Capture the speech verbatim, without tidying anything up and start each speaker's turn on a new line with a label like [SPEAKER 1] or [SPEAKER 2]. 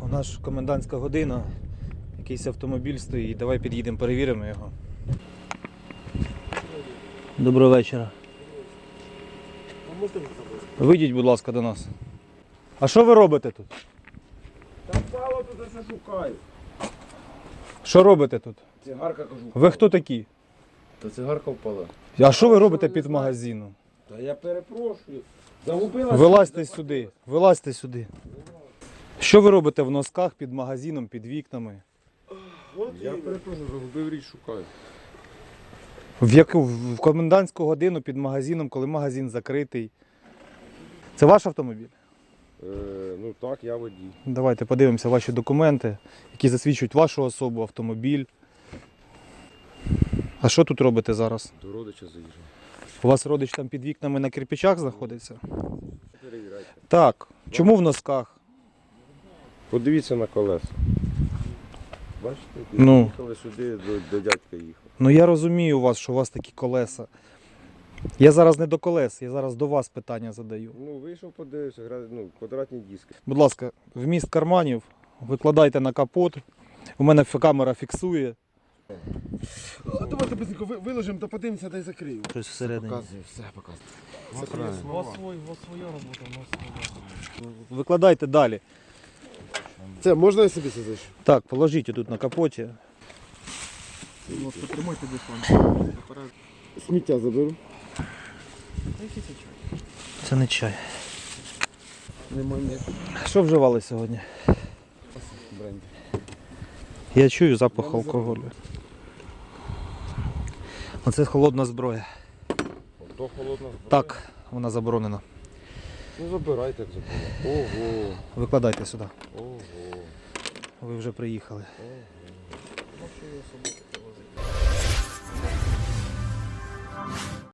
[SPEAKER 1] У нас ж комендантська година, якийсь автомобіль стоїть, давай під'їдемо, перевіримо його. Доброго вечора. Вийдіть, будь ласка, до нас. А що ви робите тут?
[SPEAKER 2] Та впало туди, що шукаю.
[SPEAKER 1] Що робите тут?
[SPEAKER 2] Цигарка кажу.
[SPEAKER 1] Ви хто такі?
[SPEAKER 2] Та цигарка впала.
[SPEAKER 1] А що ви робите під магазином?
[SPEAKER 2] Та я перепрошую. Загубила.
[SPEAKER 1] Вилазьте сюди, вилазьте сюди. Що ви робите в носках під магазином, під вікнами?
[SPEAKER 2] Я перепрошую, загубив річ, шукаю.
[SPEAKER 1] В яку в комендантську годину під магазином, коли магазин закритий. Це ваш автомобіль?
[SPEAKER 2] Е, ну так, я водій.
[SPEAKER 1] Давайте подивимося ваші документи, які засвідчують вашу особу, автомобіль. А що тут робите зараз?
[SPEAKER 2] До родича заїжджав.
[SPEAKER 1] У вас родич там під вікнами на кирпичах знаходиться?
[SPEAKER 2] Перевіряйте.
[SPEAKER 1] Так. Чому в носках?
[SPEAKER 2] Подивіться на колеса. Бачите,
[SPEAKER 1] Ну.
[SPEAKER 2] їхали сюди, до, до дядька їхав.
[SPEAKER 1] Ну я розумію вас, що у вас такі колеса. Я зараз не до колес, я зараз до вас питання задаю.
[SPEAKER 2] Ну, вийшов, подивився, гра... ну, квадратні диски.
[SPEAKER 1] Будь ласка, вміст карманів викладайте на капот. У мене камера фіксує.
[SPEAKER 3] А давайте быстренько ви- виложимо та подивимося, та й закрию.
[SPEAKER 1] Щось всередині.
[SPEAKER 2] Показує, все показує.
[SPEAKER 3] Це
[SPEAKER 2] Це правильно.
[SPEAKER 3] слова.
[SPEAKER 4] своя робота, у нас своя.
[SPEAKER 1] Викладайте далі.
[SPEAKER 3] Це можна я собі це зайшу?
[SPEAKER 1] Так, положіть тут на капоті.
[SPEAKER 4] Будь ласка, тримайте дистанцію.
[SPEAKER 3] Сміття заберу.
[SPEAKER 4] Який це чай?
[SPEAKER 1] Це не чай.
[SPEAKER 3] Немає ніякого
[SPEAKER 1] Що вживали сьогодні?
[SPEAKER 3] бренді.
[SPEAKER 1] Я чую запах алкоголю. Оце холодна зброя.
[SPEAKER 2] Ото холодна зброя.
[SPEAKER 1] Так, вона заборонена.
[SPEAKER 2] Ну забирайте, як забула. Ого,
[SPEAKER 1] Викладайте сюди.
[SPEAKER 2] ого,
[SPEAKER 1] Ви вже приїхали.
[SPEAKER 2] ого.